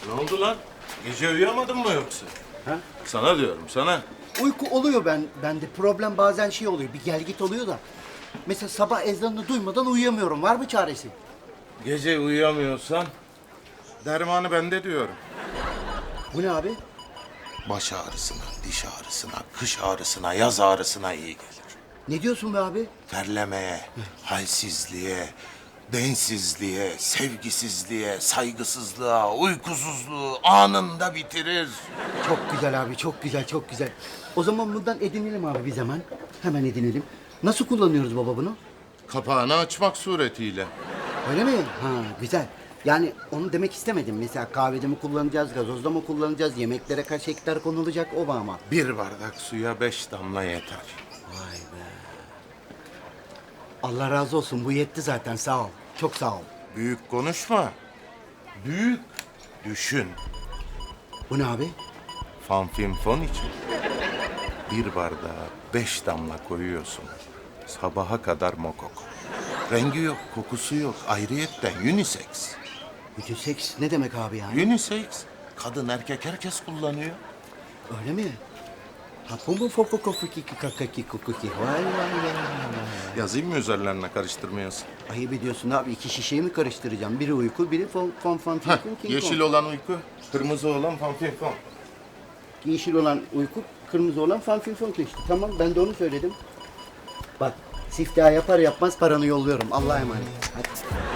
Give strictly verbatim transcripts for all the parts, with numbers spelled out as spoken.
Ne oldu lan? Gece uyuyamadın mı yoksa? Ha? Sana diyorum, sana. Uyku oluyor ben bende. Problem bazen şey oluyor. Bir gel git oluyor da. Mesela sabah ezanını duymadan uyuyamıyorum. Var mı çaresi? Gece uyuyamıyorsan dermanı bende diyorum. Bu ne abi? Baş ağrısına, diş ağrısına, kış ağrısına, yaz ağrısına iyi gelir. Ne diyorsun be abi? Terlemeye, halsizliğe, densizliğe, sevgisizliğe, saygısızlığa, uykusuzluğu anında bitirir. Çok güzel abi, çok güzel, çok güzel. O zaman bundan edinelim abi bir zaman. Hemen edinelim. Nasıl kullanıyoruz baba bunu? Kapağını açmak suretiyle. Öyle mi? Ha, güzel. Yani onu demek istemedim. Mesela kahvede mi kullanacağız, gazozda mı kullanacağız, yemeklere kaç hektar konulacak o mu ama? Bir bardak suya beş damla yeter. Vay be. Allah razı olsun. Bu yetti zaten. Sağ ol. Çok sağ ol. Büyük konuşma. Büyük düşün. Bu ne abi? Fanfinfon için. Bir bardağa beş damla koyuyorsun. Sabaha kadar mokok. Rengi yok, kokusu yok. Ayrıyetten unisex. Bütün seks ne demek abi yani? Unisex. Kadın erkek herkes kullanıyor. Öyle mi? Ha bu mu foko kofuki kakaki kukuki? Vay vay vay vay. Yazayım mı üzerlerine karıştırmayasın? Ayıp ediyorsun abi. İki şişeyi mi karıştıracağım? Biri uyku, biri fon fon fon Heh, king king yeşil kong. olan uyku, kırmızı olan fanfinfon. Yeşil olan uyku, kırmızı olan fanfin fon işte. Tamam ben de onu söyledim. Bak siftah yapar yapmaz paranı yolluyorum. Allah'a emanet. Hadi.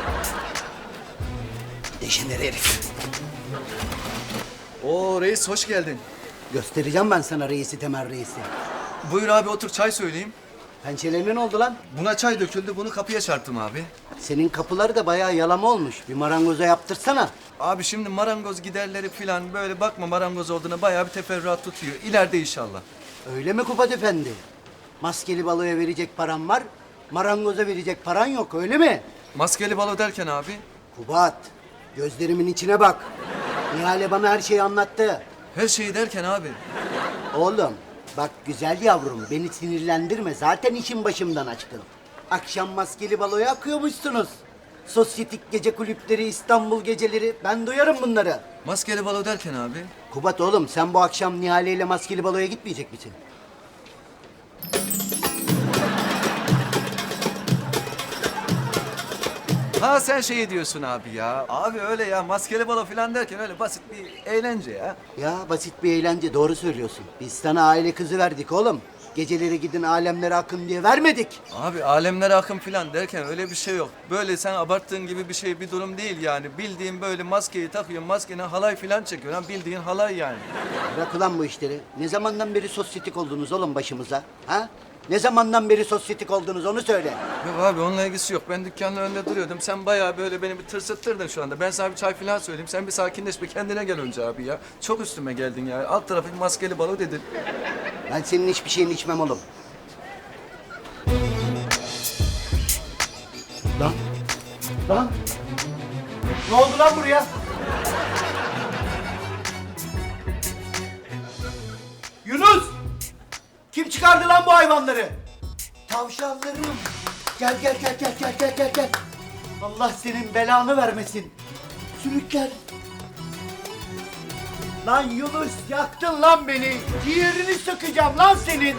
Deşener herif. Oo reis hoş geldin. Göstereceğim ben sana reisi Temel reisi. Buyur abi otur çay söyleyeyim. Pençelerine ne oldu lan? Buna çay döküldü bunu kapıya çarptım abi. Senin kapıları da bayağı yalama olmuş. Bir marangoza yaptırsana. Abi şimdi marangoz giderleri falan böyle bakma marangoz olduğuna bayağı bir teferruat tutuyor. İleride inşallah. Öyle mi Kubat Efendi? Maskeli baloya verecek paran var, marangoza verecek paran yok öyle mi? Maskeli balo derken abi. Kubat, gözlerimin içine bak. Nihale bana her şeyi anlattı. Her şeyi derken abi. Oğlum, bak güzel yavrum beni sinirlendirme. Zaten işin başımdan açtın. Akşam maskeli baloya akıyormuşsunuz. Sosyetik gece kulüpleri, İstanbul geceleri. Ben duyarım bunları. Maskeli balo derken abi. Kubat oğlum sen bu akşam Nihale ile maskeli baloya gitmeyecek misin? Ha sen şey diyorsun abi ya. Abi öyle ya maskeli balo falan derken öyle basit bir eğlence ya. Ya basit bir eğlence doğru söylüyorsun. Biz sana aile kızı verdik oğlum. Geceleri gidin alemlere akın diye vermedik. Abi alemlere akım falan derken öyle bir şey yok. Böyle sen abarttığın gibi bir şey bir durum değil yani. Bildiğin böyle maskeyi takıyorsun, maskene halay falan çekiyorsun. Ha, bildiğin halay yani. Bırak ulan bu işleri. Ne zamandan beri sosyetik oldunuz oğlum başımıza? Ha? Ne zamandan beri sosyetik oldunuz onu söyle. Yok abi onunla ilgisi yok. Ben dükkanın önünde duruyordum. Sen bayağı böyle beni bir tırsıttırdın şu anda. Ben sana bir çay falan söyleyeyim. Sen bir sakinleş bir kendine gel önce abi ya. Çok üstüme geldin ya. Alt tarafı bir maskeli balo dedin. Ben senin hiçbir şeyini içmem oğlum. Lan. Lan. Ne oldu lan buraya? Yunus! Kim çıkardı lan bu hayvanları? Tavşanlarım. Gel gel gel gel gel gel gel gel. Allah senin belanı vermesin. Sürükler. Lan Yunus yaktın lan beni. Ciğerini sökeceğim lan senin.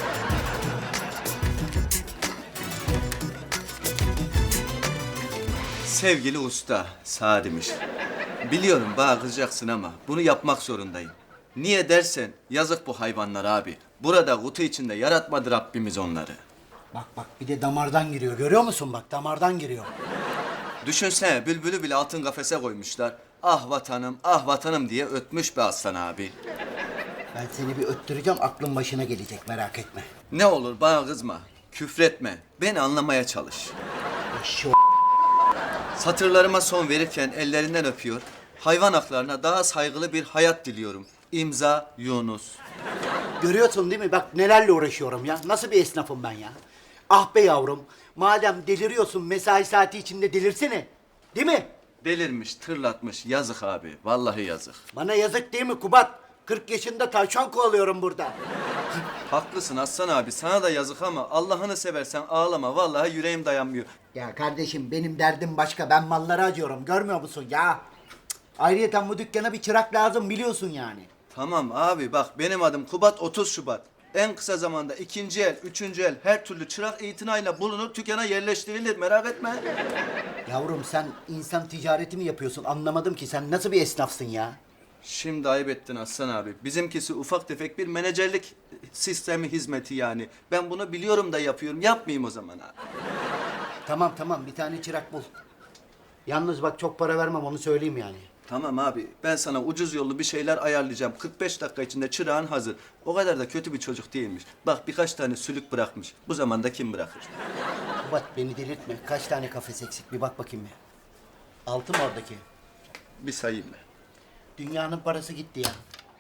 Sevgili usta, Sadimiş. Biliyorum bana kızacaksın ama bunu yapmak zorundayım. Niye dersen yazık bu hayvanlar abi. Burada kutu içinde yaratmadı Rabbimiz onları. Bak bak bir de damardan giriyor. Görüyor musun bak damardan giriyor. Düşünsene bülbülü bile altın kafese koymuşlar. Ah vatanım, ah vatanım diye ötmüş be aslan abi. Ben seni bir öttüreceğim aklın başına gelecek merak etme. Ne olur bana kızma, küfretme. Beni anlamaya çalış. Eşşo. Satırlarıma son verirken ellerinden öpüyor. Hayvan haklarına daha saygılı bir hayat diliyorum. İmza Yunus. Görüyorsun değil mi? Bak nelerle uğraşıyorum ya. Nasıl bir esnafım ben ya. Ah be yavrum. Madem deliriyorsun mesai saati içinde delirsene. Değil mi? Delirmiş, tırlatmış. Yazık abi. Vallahi yazık. Bana yazık değil mi Kubat? kırk yaşında tavşan kovalıyorum burada. Haklısın Aslan abi. Sana da yazık ama Allah'ını seversen ağlama. Vallahi yüreğim dayanmıyor. Ya kardeşim benim derdim başka. Ben mallara acıyorum. Görmüyor musun ya? Ayrıyeten bu dükkana bir çırak lazım biliyorsun yani. Tamam abi bak benim adım Kubat otuz Şubat. En kısa zamanda ikinci el, üçüncü el her türlü çırak itinayla bulunur, dükkana yerleştirilir merak etme. Yavrum sen insan ticareti mi yapıyorsun? Anlamadım ki sen nasıl bir esnafsın ya? Şimdi ayıp ettin Aslan abi. Bizimkisi ufak tefek bir menajerlik sistemi hizmeti yani. Ben bunu biliyorum da yapıyorum. Yapmayayım o zaman abi. Tamam tamam bir tane çırak bul. Yalnız bak çok para vermem onu söyleyeyim yani. Tamam abi ben sana ucuz yollu bir şeyler ayarlayacağım. kırk beş dakika içinde çırağın hazır. O kadar da kötü bir çocuk değilmiş. Bak birkaç tane sülük bırakmış. Bu zamanda kim bırakır? Kubat beni delirtme. Kaç tane kafes eksik bir bak bakayım ya. Altı mı oradaki? Bir sayayım ben. Dünyanın parası gitti ya.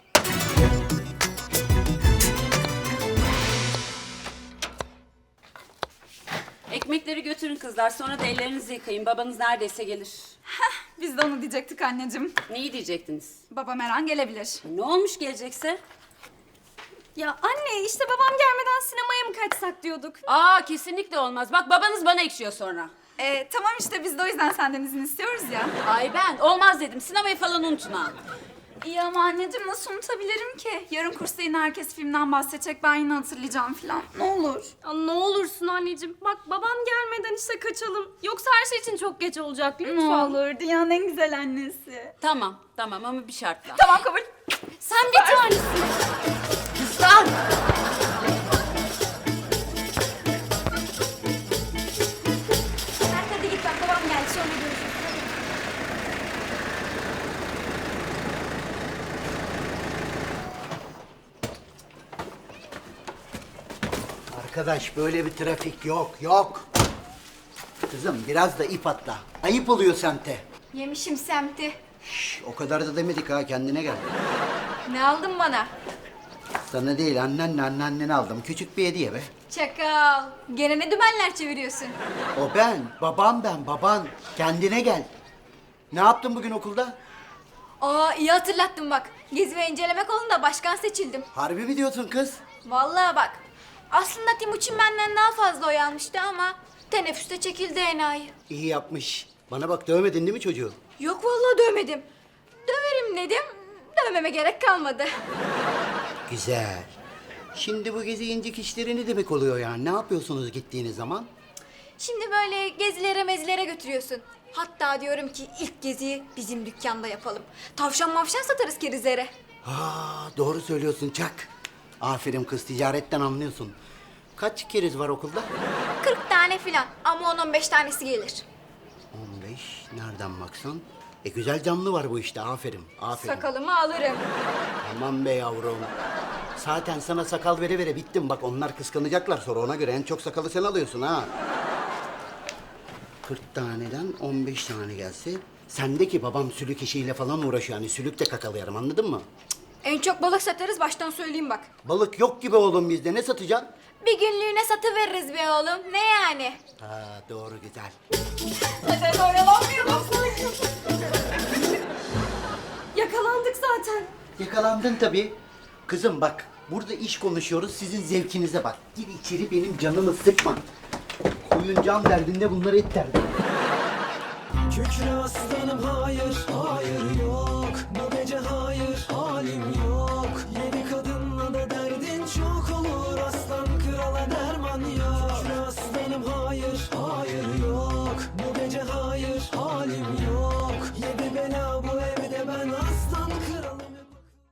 Ekmekleri götürün kızlar, sonra da ellerinizi yıkayın. Babanız neredeyse gelir. Biz de onu diyecektik anneciğim. Neyi diyecektiniz? Babam her an gelebilir. Ne olmuş gelecekse? Ya anne işte babam gelmeden sinemaya mı kaçsak diyorduk. Aa kesinlikle olmaz. Bak babanız bana ekşiyor sonra. Ee, tamam işte biz de o yüzden senden izin istiyoruz ya. Ay ben olmaz dedim. Sinemayı falan unutun ha. İyi ama anneciğim nasıl unutabilirim ki? Yarın kursta yine herkes filmden bahsedecek ben yine hatırlayacağım falan. Ne olur. Ya ne olursun anneciğim. Bak babam gelmeden işte kaçalım. Yoksa her şey için çok geç olacak Ne lütfen. olur dünyanın en güzel annesi. Tamam tamam ama bir şartla. Tamam kabul. Sen bir tanesin. Kızlar! Hadi git bak babam geldi sonra görüşürüz. Arkadaş böyle bir trafik yok yok. Kızım biraz da ip atla. Ayıp oluyor semte. Yemişim semti. Şş, o kadar da demedik ha kendine gel. Ne aldın bana? Sana değil annenle anneannene aldım. Küçük bir hediye be. Çakal. Gene ne dümenler çeviriyorsun? O ben, babam ben, baban. Kendine gel. Ne yaptın bugün okulda? Aa iyi hatırlattın bak. Gezi ve inceleme kolunda başkan seçildim. Harbi mi diyorsun kız? Vallahi bak. Aslında Timuçin benden daha fazla oy almıştı ama teneffüste çekildi enayi. İyi yapmış. Bana bak dövmedin değil mi çocuğu? Yok vallahi dövmedim. Döverim dedim. Dövmeme gerek kalmadı. Güzel. Şimdi bu gezi incik işleri ne demek oluyor yani? Ne yapıyorsunuz gittiğiniz zaman? Şimdi böyle gezilere mezilere götürüyorsun. Hatta diyorum ki ilk geziyi bizim dükkanda yapalım. Tavşan mavşan satarız kerizlere. Ha, doğru söylüyorsun Çak. Aferin kız ticaretten anlıyorsun. Kaç keriz var okulda? kırk tane filan ama on on beş tanesi gelir. on beş. Nereden baksan? E güzel canlı var bu işte. Aferin. Aferin. Sakalımı alırım. Aman be yavrum. Zaten sana sakal vere vere bittim. Bak onlar kıskanacaklar sonra ona göre en çok sakalı sen alıyorsun ha. kırk taneden on beş tane gelse sendeki babam sülük işiyle falan uğraşıyor. Yani sülük de kakalayarım anladın mı? En çok balık satarız baştan söyleyeyim bak. Balık yok gibi oğlum bizde. Ne satacaksın? Bir günlüğüne satıveririz be oğlum. Ne yani? Ha doğru güzel. Hadi oyalanmayalım. Yakalandık zaten. Yakalandın tabii. Kızım bak burada iş konuşuyoruz sizin zevkinize bak. Gir içeri benim canımı sıkma. Koyun can derdinde bunlar et derdinde. Kükre aslanım hayır, hayır yok.